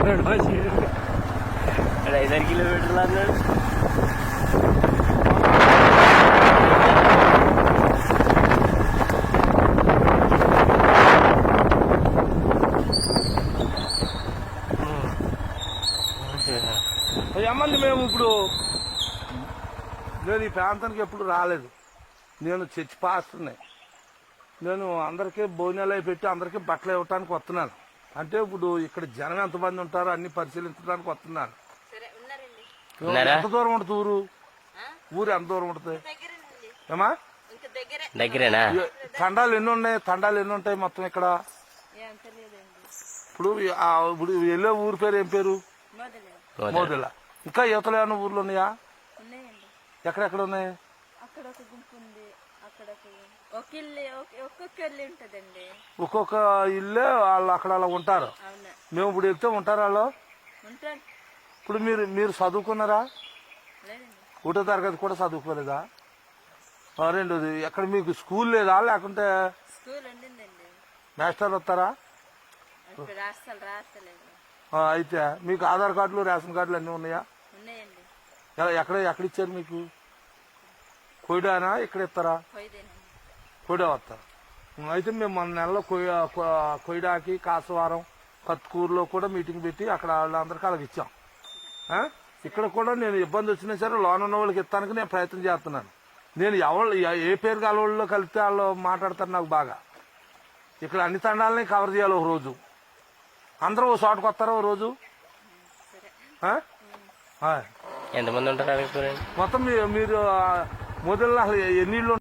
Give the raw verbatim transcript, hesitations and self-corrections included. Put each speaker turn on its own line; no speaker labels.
ఐదారు కిలోమీటర్లు అన్నాడు.
ఏమండి మేము ఇప్పుడు నేను ఈ ప్రాంతానికి ఎప్పుడు రాలేదు. నేను చర్చి పాస్టర్ని. నేను అందరికీ భోజనాలు అవి పెట్టి అందరికీ బట్టలు ఇవ్వటానికి వస్తున్నాను. అంటే ఇప్పుడు ఇక్కడ జనం ఎంతమంది ఉంటారో అన్ని పరిశీలించడానికి వస్తున్నాను. ఎంత దూరం ఉంటుంది ఊరు? ఊరు ఎంత దూరం ఉంటుంది ఏమా?
దగ్గరేనా?
తండాలు ఎన్ని ఉన్నాయి? తండాలు ఎన్ని ఉంటాయి మొత్తం ఇక్కడ? ఇప్పుడు ఇప్పుడు వెళ్ళే ఊరి పేరు ఏం పేరు? మోదల. ఇంకా యువతలు ఏమన్నా ఊర్లు ఉన్నాయా? ఎక్కడెక్కడ ఉన్నాయి? ఒక్కొక్క ఇల్లే వాళ్ళు అక్కడ అలా ఉంటారు. మేము ఇప్పుడు వెళ్తే ఉంటారు వాళ్ళు. ఇప్పుడు మీరు మీరు చదువుకున్నారా? ఒకటో తరగతి కూడా చదువుకోలేదా? రెండోది ఎక్కడ మీకు స్కూల్ లేదా? లేకుంటే మాస్టర్ వస్తారా? అయితే మీకు ఆధార్ కార్డులు రేషన్ కార్డులు అన్నీ ఉన్నాయా? ఎక్కడ ఎక్కడ ఇచ్చారు మీకు? కొయిడానా ఇక్కడ ఇస్తారా? కొయిడా వస్తారు. అయితే మేము మన నెలలో కొయిడాకి కాసవారం కత్కూరులో కూడా మీటింగ్ పెట్టి అక్కడ వాళ్ళందరికీ అలాగ ఇచ్చాం. ఇక్కడ కూడా నేను ఇబ్బంది వచ్చినా సరే లోన్ ఉన్న వాళ్ళకి ఇస్తానికి నేను ప్రయత్నం చేస్తున్నాను. నేను ఎవరు ఏ పేరు గల వాళ్ళలో కలిస్తే వాళ్ళు మాట్లాడతారు నాకు బాగా. ఇక్కడ అన్ని తండాలని కవర్ చేయాలి ఒక రోజు. అందరూ ఓ చోటకు వస్తారా ఓ రోజు?
ఎంతమంది ఉంటారు?
మొత్తం మీరు మొదలు అసలు ఎన్ని ఇళ్ళు